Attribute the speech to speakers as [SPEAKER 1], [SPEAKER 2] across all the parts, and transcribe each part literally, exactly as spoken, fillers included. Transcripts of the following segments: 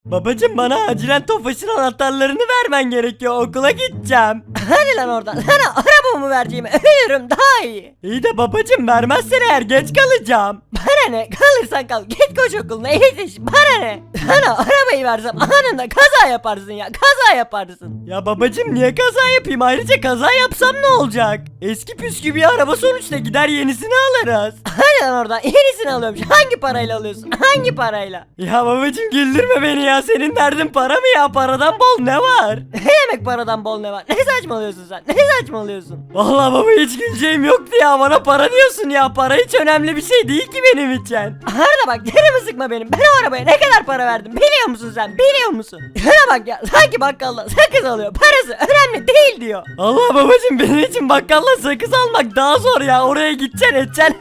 [SPEAKER 1] Babacım bana acilen Tofaş'ın anahtarlarını vermen gerekiyor, okula gideceğim.
[SPEAKER 2] Hadi lan oradan, sana arabamı vereceğim, ölürüm daha iyi.
[SPEAKER 1] İyi de babacım vermezsen eğer geç kalacağım.
[SPEAKER 2] Bana ne, kalırsan kal, git koş okuluna yetiş, bana ne. Sana arabayı versem anında kaza yaparsın ya, kaza yaparsın.
[SPEAKER 1] Ya babacım niye kaza yapayım, ayrıca kaza yapsam ne olacak? Eski püskü bir araba sonuçta, gider yenisini alırız.
[SPEAKER 2] Hadi lan oradan, yenisini alıyorum. Hangi parayla alıyorsun, hangi parayla?
[SPEAKER 1] Ya babacım güldürme beni ya, senin derdin para mı ya, paradan bol ne var?
[SPEAKER 2] Ne demek paradan bol ne var, ne saçmalıyorsun sen, ne saçmalıyorsun?
[SPEAKER 1] Vallahi baba hiç güleceğim yoktu ya, bana para diyorsun ya, para hiç önemli bir şey değil ki benim için.
[SPEAKER 2] Arda bak canımı sıkma benim, ben o arabaya ne kadar para verdim biliyor musun sen, biliyor musun? Şuna bak ya, sanki bakkalda sakız alıyor, parası önemli değil diyor.
[SPEAKER 1] Allah babacım benim için bakkalla sakız almak daha zor ya, oraya gideceksin edeceksin.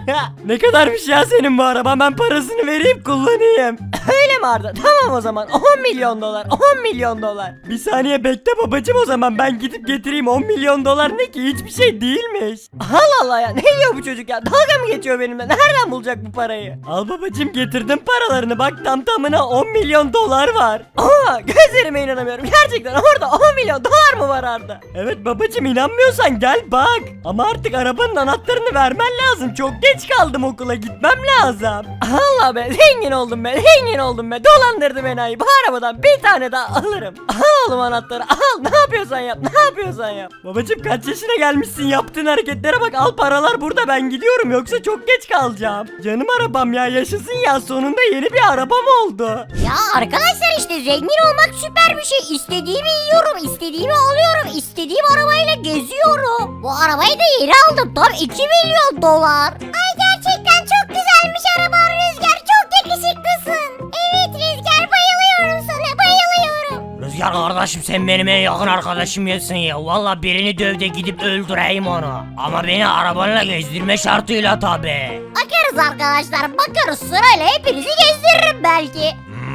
[SPEAKER 1] Ne kadarmış ya senin bu araba, ben parasını vereyim kullanayım.
[SPEAKER 2] Öyle mi Arda? Tamam o zaman on milyon dolar, on milyon dolar.
[SPEAKER 1] Bir saniye bekle babacım, o zaman ben gidip getireyim, on milyon dolar ne ki, hiçbir şey değilmiş.
[SPEAKER 2] Allah Allah ya, ne diyor bu çocuk ya, dalga mı geçiyor benimle, nereden bulacak bu parayı?
[SPEAKER 1] Al babacım getirdim paralarını, bak tam tamına on milyon dolar var.
[SPEAKER 2] Aa, gözlerime inanamıyorum, gerçekten orada on milyon dolar mı var Arda?
[SPEAKER 1] Evet babacım, inanmıyorsan gel bak. Ama artık arabanın anahtarını vermen lazım, çok geç kaldım, okula gitmem lazım.
[SPEAKER 2] Allah be, zengin oldum be, zengin oldum be, dolandırdı beni ayı, bu arabadan bir tane daha alırım. Al oğlum anahtarı, al, ne yapıyorsan yap, ne yapıyorsan yap.
[SPEAKER 1] Babacım kaç yaşına gelmişsin, yaptığın hareketlere bak, al paralar burada, ben gidiyorum yoksa çok geç kalacağım. Canım arabam ya, yaşasın ya, sonunda yeni bir arabam oldu.
[SPEAKER 3] Ya arkadaşlar işte zengin olmak süper bir şey. İstediğimi yiyorum, istediğimi alıyorum, istediğim arabayla geziyorum. Bu arabayı da yeni aldım. Tam iki milyon dolar. Ay gerçekten çok güzelmiş araban Rüzgar. Çok yakışıklısın. Evet Rüzgar, bayılıyorum sana, bayılıyorum.
[SPEAKER 4] Rüzgar kardeşim, sen benim en yakın arkadaşımsın ya. Valla birini döv de gidip öldüreyim onu. Ama beni arabanla gezdirme şartıyla tabi.
[SPEAKER 3] Bakarız arkadaşlar, bakarız, sırayla hepinizi gezdiririm belki.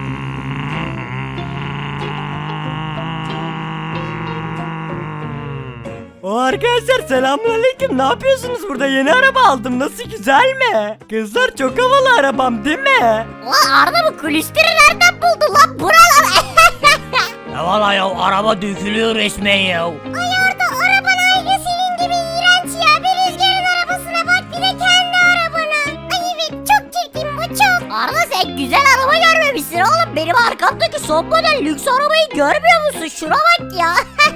[SPEAKER 1] O arkadaşlar selamünaleyküm, ne yapıyorsunuz burada, yeni araba aldım, nasıl, güzel mi? Kızlar çok havalı arabam değil mi?
[SPEAKER 3] Ulan Arda bu kulistiri nereden buldu lan buralar?
[SPEAKER 4] Ya valla ya, araba dökülüyor resmen ya.
[SPEAKER 3] Ay Arda, araban aynı senin gibi iğrenç ya. Bir Rüzgar'ın arabasına bak, bir de kendi arabana. Ay evet, çok çirkin bu, çok. Arda sen güzel araba görmemişsin oğlum. Benim arkamdaki son model lüks arabayı görmüyor musun? Şuna bak ya.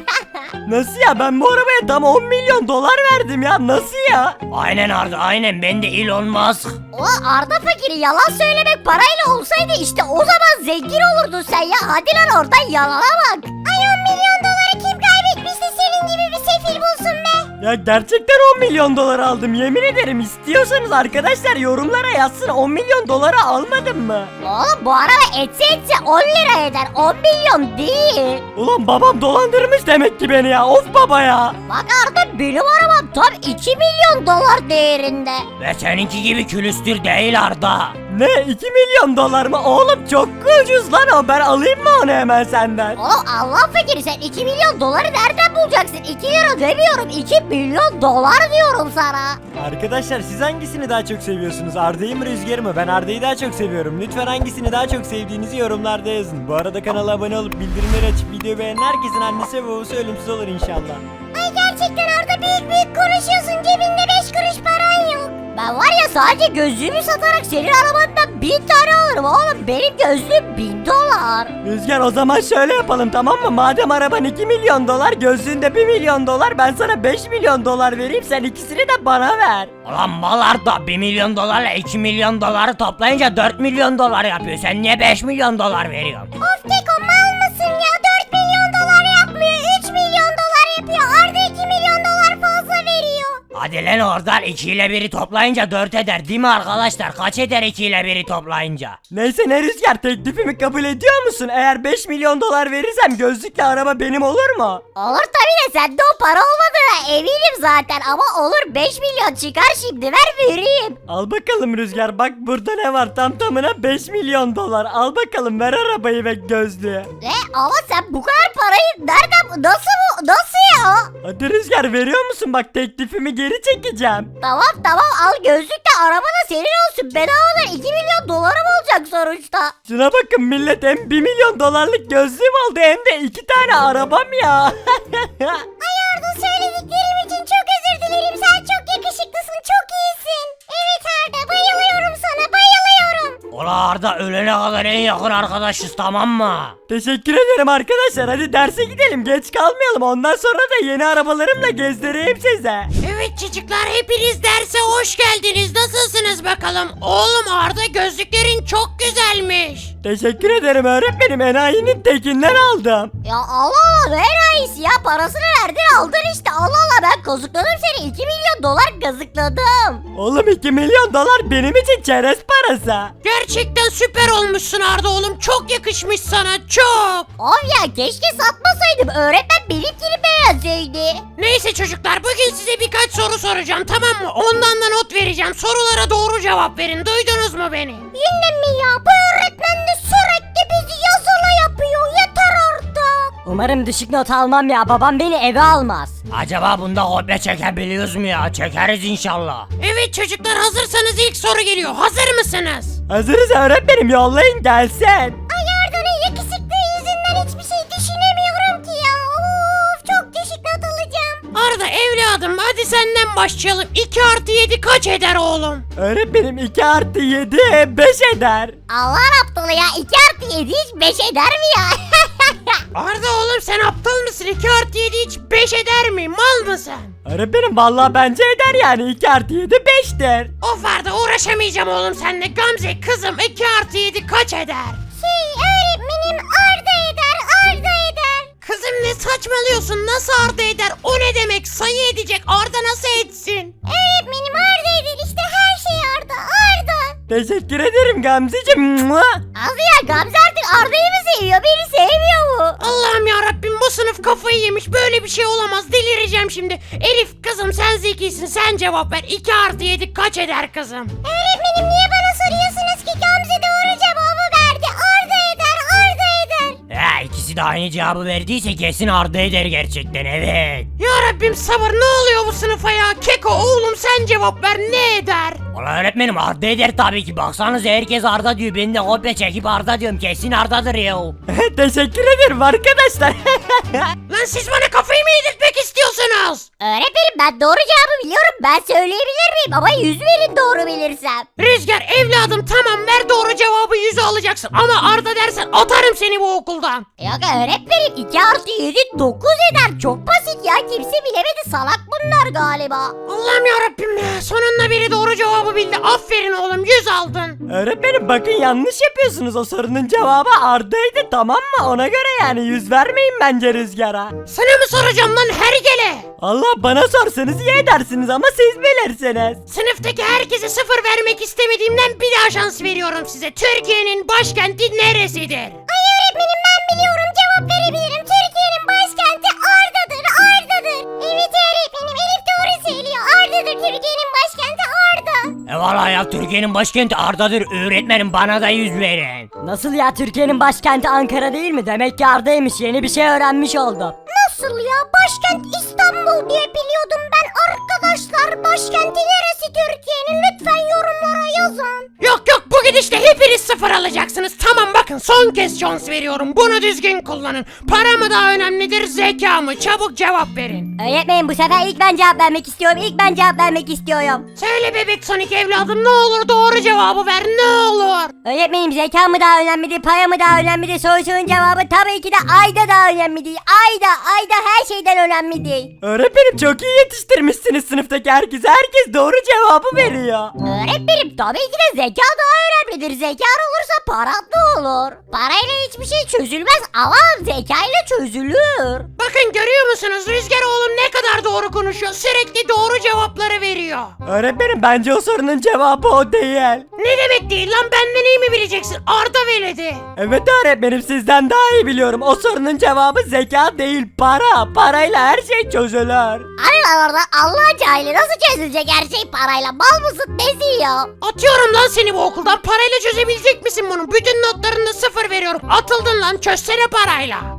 [SPEAKER 1] Nasıl ya, ben bu arabaya tam on milyon dolar verdim ya, nasıl ya?
[SPEAKER 4] Aynen Arda, aynen, ben de Elon Musk.
[SPEAKER 3] Ulan Arda fakiri, yalan söylemek parayla olsaydı işte o zaman zengin olurdun sen ya. Hadi lan oradan, yalana bak. Ay on milyon doları kim kaybetmişti senin gibi bir sefil bulsun be.
[SPEAKER 1] Ya gerçekten on milyon dolar aldım, yemin ederim. İstiyorsanız arkadaşlar yorumlara yazsın, on milyon dolara almadım mı?
[SPEAKER 3] Oğlum bu araba etse etse on lira eder, on milyon değil.
[SPEAKER 1] Ulan babam dolandırmış demek ki beni ya, of baba ya.
[SPEAKER 3] Bak Arda, benim arabam tam iki milyon dolar değerinde.
[SPEAKER 4] Ve seninki gibi külüstür değil Arda.
[SPEAKER 1] Ne, iki milyon dolar mı? Oğlum çok ucuz lan o, ben alayım mı onu hemen senden?
[SPEAKER 3] Oğlum Allah fakiri, sen iki milyon doları nereden bulacaksın? iki lira demiyorum, iki milyon dolar diyorum sana.
[SPEAKER 1] Arkadaşlar siz hangisini daha çok seviyorsunuz? Arda'yı mı Rüzgar'ı mı? Ben Arda'yı daha çok seviyorum. Lütfen hangisini daha çok sevdiğinizi yorumlarda yazın. Bu arada kanala abone olup bildirimleri açıp videoyu beğenen herkesin annesi ve babası ölümsüz olur inşallah.
[SPEAKER 3] Ay gerçekten Arda büyük büyük konuşuyorsun, cebinde beş kuruş paran yok. Ben var ya, sadece gözlüğümü satarak senin arabandan bin tane alırım oğlum. Benim gözlüğüm bin dolar.
[SPEAKER 1] Rüzgar o zaman şöyle yapalım tamam mı? Madem araban iki milyon dolar, gözlüğünde bir milyon dolar, ben sana beş milyon dolar vereyim, sen ikisini de bana ver.
[SPEAKER 4] Ulan mal Arda, bir milyon dolarla iki milyon doları toplayınca dört milyon dolar yapıyor. Sen niye beş milyon dolar veriyorsun?
[SPEAKER 3] Of Keko, mal mısın ya? dört milyon dolar yapmıyor, üç milyon dolar yapıyor. Arda iki milyon dolar fazla veriyor.
[SPEAKER 4] Hadi lan oradan, iki ile biri toplayınca dört eder değil mi arkadaşlar? Kaç eder iki ile biri toplayınca?
[SPEAKER 1] Neyse ne Rüzgar, teklifimi kabul ediyor musun? Eğer beş milyon dolar verirsem gözlükle araba benim olur mu?
[SPEAKER 3] Olur tabii de sende o para olmadığına eminim zaten, ama olur, beş milyon çıkar şimdi, ver vereyim.
[SPEAKER 1] Al bakalım Rüzgar, bak burada ne var, tam tamına beş milyon dolar. Al bakalım, ver arabayı ve gözlüğü.
[SPEAKER 3] Ne? Ama sen bu kadar parayı nereden, nasıl bu, nasıl ya?
[SPEAKER 1] Hadi Rüzgar, veriyor musun? Bak, teklifimi geri çekeceğim.
[SPEAKER 3] Tamam tamam al, gözlük de araba da senin olsun. Bedavadan iki milyon dolarım olacak sonuçta.
[SPEAKER 1] Şuna bakın millet, hem bir milyon dolarlık gözlüğüm oldu hem de iki tane arabam ya.
[SPEAKER 3] Ay Arda, söylediklerim için çok özür dilerim. Sen çok yakışıklısın, çok iyisin. Evet Arda, bayılıyorum sana, bayılıyorum.
[SPEAKER 4] Ula Arda, ölene kadar en yakın arkadaşız, tamam mı?
[SPEAKER 1] Teşekkür ederim arkadaşlar, hadi derse gidelim, geç kalmayalım, ondan sonra da yeni arabalarımla gezdireyim size.
[SPEAKER 5] Evet çocuklar, hepiniz derse hoş geldiniz. Nasılsınız bakalım? Oğlum Arda, gözlüklerin çok güzelmiş.
[SPEAKER 1] Teşekkür ederim öğretmenim, enayinin tekinden aldım.
[SPEAKER 3] Ya Allah Allah, ne enayisi ya, parasını verdin aldın işte. Allah Allah, ben kazıkladım seni, iki milyon dolar kazıkladım.
[SPEAKER 1] Oğlum, iki milyon dolar benim için çerez parası.
[SPEAKER 5] Gerçekten süper olmuşsun Arda oğlum. Çok yakışmış sana, çok.
[SPEAKER 3] Of ya, keşke satmasaydım, öğretmen benimkini beğenseydi.
[SPEAKER 5] Neyse çocuklar, bugün size birkaç soru soracağım, tamam mı? Ondan da not vereceğim. Sorulara doğru cevap verin. Duydunuz mu beni?
[SPEAKER 3] Yine mi ya, bu öğretmen de sürekli bizi yazılı yapıyor, yeter artık.
[SPEAKER 2] Umarım düşük not almam ya, babam beni eve almaz.
[SPEAKER 4] Acaba bunda kopya çekebiliyoruz mu ya? Çekeriz inşallah.
[SPEAKER 5] Evet çocuklar, hazırsanız ilk soru geliyor. Hazır mısınız?
[SPEAKER 1] Hazırız öğretmenim, yollayın gelsin.
[SPEAKER 3] Ay Arda'nın yakışıklığı yüzünden hiçbir şey düşünemiyorum ki ya. Of, çok düşük not alacağım.
[SPEAKER 5] Arda evladım, hadi senden başlayalım. iki artı yedi kaç eder oğlum?
[SPEAKER 1] Öğretmenim, iki artı yedi beş eder.
[SPEAKER 3] Allah aptalı ya, iki artı yedi hiç beş eder mi ya?
[SPEAKER 5] Arda oğlum, sen aptal mısın? iki artı yedi hiç beş eder mi? Mal mısın?
[SPEAKER 1] Öğretmenim, vallahi bence eder yani, iki artı yedi beştir.
[SPEAKER 5] Of Arda, uğraşamayacağım oğlum seninle. Gamze kızım, iki artı yedi kaç eder?
[SPEAKER 3] Şey öğretmenim, Arda eder, Arda eder.
[SPEAKER 5] Kızım ne saçmalıyorsun? Nasıl Arda eder? O ne demek? Sayı edecek. Arda nasıl etsin?
[SPEAKER 3] Öğretmenim, Arda eder işte, her şey Arda, Arda.
[SPEAKER 1] Teşekkür ederim Gamzeciğim. Mua.
[SPEAKER 3] Az ya, Gamze artık Arda'yı mı seviyor, beni sevmiyor mu?
[SPEAKER 5] Allah'ım ya Rabbim, bu sınıf kafayı yemiş. Böyle bir şey olamaz. Delireceğim şimdi. Elif kızım, sen zekisin. Sen cevap ver. iki artı yedi kaç eder kızım?
[SPEAKER 3] Öğretmenim, niye bana soruyorsunuz ki? Gamze doğru cevabı verdi. Arda eder, Arda eder.
[SPEAKER 4] Ya ikisi de aynı cevabı verdiyse kesin Arda eder gerçekten, evet.
[SPEAKER 5] Ya Rabbim sabır, ne oluyor bu sınıfa ya? Keko oğlum, sen cevap ver, ne eder?
[SPEAKER 4] Ulan öğretmenim, Arda eder tabii ki. Baksanıza, herkes Arda diyor. Ben de kopya çekip Arda diyorum. Kesin Arda'dır ya.
[SPEAKER 1] Teşekkür ederim arkadaşlar.
[SPEAKER 5] Lan siz bana kafayı mı yedirtmek istiyorsunuz?
[SPEAKER 3] Öğretmenim, ben doğru cevabı biliyorum. Ben söyleyebilir miyim? Ama yüz verin doğru bilirsem.
[SPEAKER 5] Rüzgar evladım, tamam ver doğru cevabı, yüzü alacaksın. Ama Arda dersen atarım seni bu okuldan.
[SPEAKER 3] Yok öğretmenim, iki artı yedi dokuz eder. Çok basit ya, kimse bilemedi, salak bunlar galiba.
[SPEAKER 5] Allah'ım yarabbim ya, sonunda biri doğru cevabı bildi. Aferin oğlum, yüz aldın.
[SPEAKER 1] Öğretmenim, bakın yanlış yapıyorsunuz, o sorunun cevabı Arda'ydı, tamam mı? Ona göre yani yüz vermeyin bence Rüzgar'a.
[SPEAKER 5] Sana mı soracağım lan hergele?
[SPEAKER 1] Allah, bana sorsanız iyi edersiniz ama siz bilirsiniz.
[SPEAKER 5] Sınıftaki herkese sıfır vermek istemediğimden bir daha şans veriyorum size. Türkiye'nin başkenti neresidir?
[SPEAKER 3] Ay öğretmenim, ben biliyorum, cevap verebilirim. Türkiye'nin başkenti Arda'dır, Arda'dır. Evet öğretmenim, Elif doğru söylüyor. Arda'dır, Türkiye'nin başkenti Arda.
[SPEAKER 4] E valla ya, Türkiye'nin başkenti Arda'dır. Öğretmenim, bana da yüz verin.
[SPEAKER 2] Nasıl ya, Türkiye'nin başkenti Ankara değil mi? Demek ki Arda'ymış, yeni bir şey öğrenmiş oldum.
[SPEAKER 3] Nasıl ya, başkent İstanbul diye biliyordum ben. Arkadaşlar, başkenti neresi Türkiye'nin? Lütfen yorumlara yazın.
[SPEAKER 5] Yok yok, bu gidişle hepiniz sıfır alacaksınız. Tamam bakın, son kez şans veriyorum. Bunu düzgün kullanın. Para mı daha önemlidir, zeka mı? Çabuk cevap verin.
[SPEAKER 2] Öğretmenim, bu sefer ilk ben cevap vermek istiyorum. İlk ben cevap vermek istiyorum.
[SPEAKER 5] Söyle bebek Sonic evladım, ne olur doğru cevabı ver, ne olur.
[SPEAKER 2] Öğretmenim, zeka mı daha önemlidir, para mı daha önemlidir? Sorusunun cevabı tabii ki de Ayda daha önemlidir. Ayda, Ayda her şeyden önemlidir.
[SPEAKER 1] Öğretmenim, çok iyi yetiştirmişsiniz sınıftaki herkese. Herkes doğru cevabı veriyor.
[SPEAKER 3] Öğretmenim, tabii ki de zeka daha önemlidir. Zeka olursa para da olur. Parayla hiçbir şey çözülmez ama zekayla çözülür.
[SPEAKER 5] Bakın görüyor musunuz, Rüzgar oğlum ne kadar doğru konuşuyor. Sürekli doğru cevapları veriyor.
[SPEAKER 1] Öğretmenim, bence o sorunun cevabı o değil.
[SPEAKER 5] Ne demek değil lan, benden iyi mi bileceksin? Arda veledi.
[SPEAKER 1] Evet öğretmenim, sizden daha iyi biliyorum. O sorunun cevabı zeka değil, para. Parayla her şey çözülür.
[SPEAKER 3] Allah orada, Allah cahili, nasıl çözülecek her şey parayla? Mal mısın, nesin ya?
[SPEAKER 5] Atıyorum lan seni bu okuldan. Parayla çözebilecek misin bunu? Bütün notlarında sıfır veriyorum. Atıldın lan, çözsene parayla.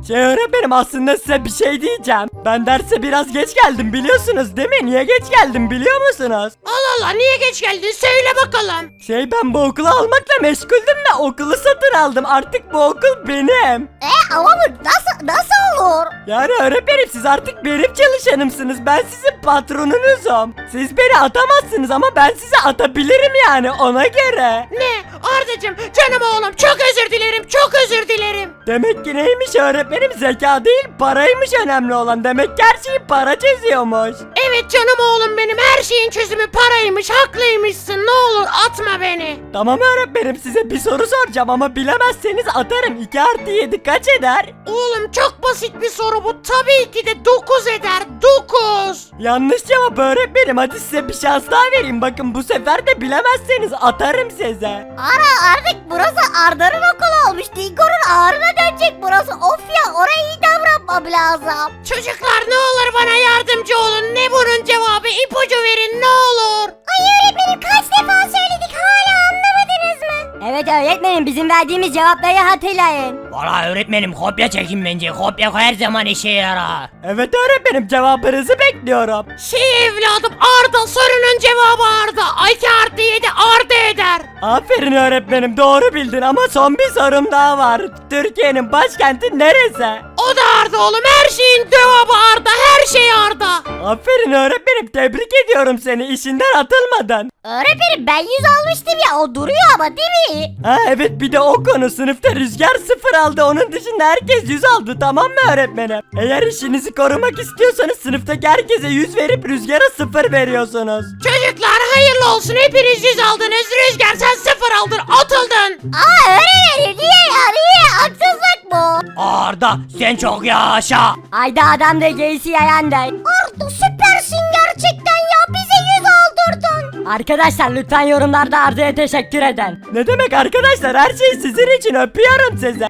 [SPEAKER 1] Şey öğretmenim aslında size bir şey diyeceğim. Ben derse biraz geç geldim biliyorsunuz değil mi? Niye geç geldim biliyor musunuz?
[SPEAKER 5] Allah Allah, niye geç geldin söyle bakalım.
[SPEAKER 1] Şey ben bu okulu almakla meşguldüm de okulu satın aldım. Artık bu okul benim.
[SPEAKER 3] E ama bu nasıl nasıl olur?
[SPEAKER 1] Yani öğretmenim siz artık benim çalışanımsınız. Ben sizin patronunuzum. Siz beni atamazsınız ama ben size atabilirim yani ona göre.
[SPEAKER 5] Ne? Ardacığım, canım oğlum, çok özür dilerim, çok özür dilerim.
[SPEAKER 1] Demek ki neymiş öğretmenim? Zeka değil paraymış önemli olan. Demek ki her şeyi para çözüyormuş.
[SPEAKER 5] Evet canım oğlum benim, her şeyin çözümü paraymış, haklıymışsın, ne olur atma beni.
[SPEAKER 1] Tamam öğretmenim size bir soru soracağım ama bilemezseniz atarım. iki artı yedi kaç eder?
[SPEAKER 5] Oğlum çok basit bir soru bu, tabii ki de dokuz eder, dokuz.
[SPEAKER 1] Yanlış cevap öğretmenim. Hadi size bir şans daha vereyim. Bakın bu sefer de bilemezseniz atarım size.
[SPEAKER 3] Ara artık burası Arda'nın okulu olmuş. Dingo'nun ağrına dönecek burası. Of ya, oraya iyi davranmam lazım.
[SPEAKER 5] Çocuklar ne olur bana yardımcı olun, ne bunun cevabı, ipucu verin ne olur.
[SPEAKER 3] Ay öğretmenim, kaç defa söyledik, hala anlamadınız mı? Evet öğretmenim, bizim verdiğimiz cevapları hatırlayın.
[SPEAKER 4] Valla öğretmenim kopya çekin bence. Kopya her zaman işe yarar.
[SPEAKER 1] Evet öğretmenim cevabınızı bekliyorum.
[SPEAKER 5] Şey evladım, Arda, sorunun cevabı Arda. iki artı yedi Arda eder.
[SPEAKER 1] Aferin öğretmenim doğru bildin ama son bir sorum daha var. Türkiye'nin başkenti neresi?
[SPEAKER 5] O da Arda oğlum, her şeyin cevabı Arda, her şey Arda.
[SPEAKER 1] Aferin öğretmenim tebrik ediyorum seni işinden atılmadın.
[SPEAKER 3] Öğretmenim ben yüz almıştım ya, o duruyor ama değil mi?
[SPEAKER 1] Ha evet bir de o konu sınıfta Rüzgar sıfır aldı onun dışında herkes yüz aldı tamam mı öğretmenim? Eğer işinizi korumak istiyorsanız sınıftaki herkese yüz verip Rüzgar'a sıfır veriyorsunuz.
[SPEAKER 5] Çocuklar hayırlı olsun, hepiniz yüz aldınız. Rüzgar sen sıfır aldın, atıldın.
[SPEAKER 3] Aa öğretmenim, niye ya, niye? Haksızlık bu.
[SPEAKER 4] Arda sen çok yaşa.
[SPEAKER 3] Ayda adam da geysi yayan da. Arda süpersin gerçekten ya, bize yüz aldırdın. Arkadaşlar lütfen yorumlarda Arda'ya teşekkür edin.
[SPEAKER 1] Ne demek arkadaşlar her şey sizin için öpüyorum sizi.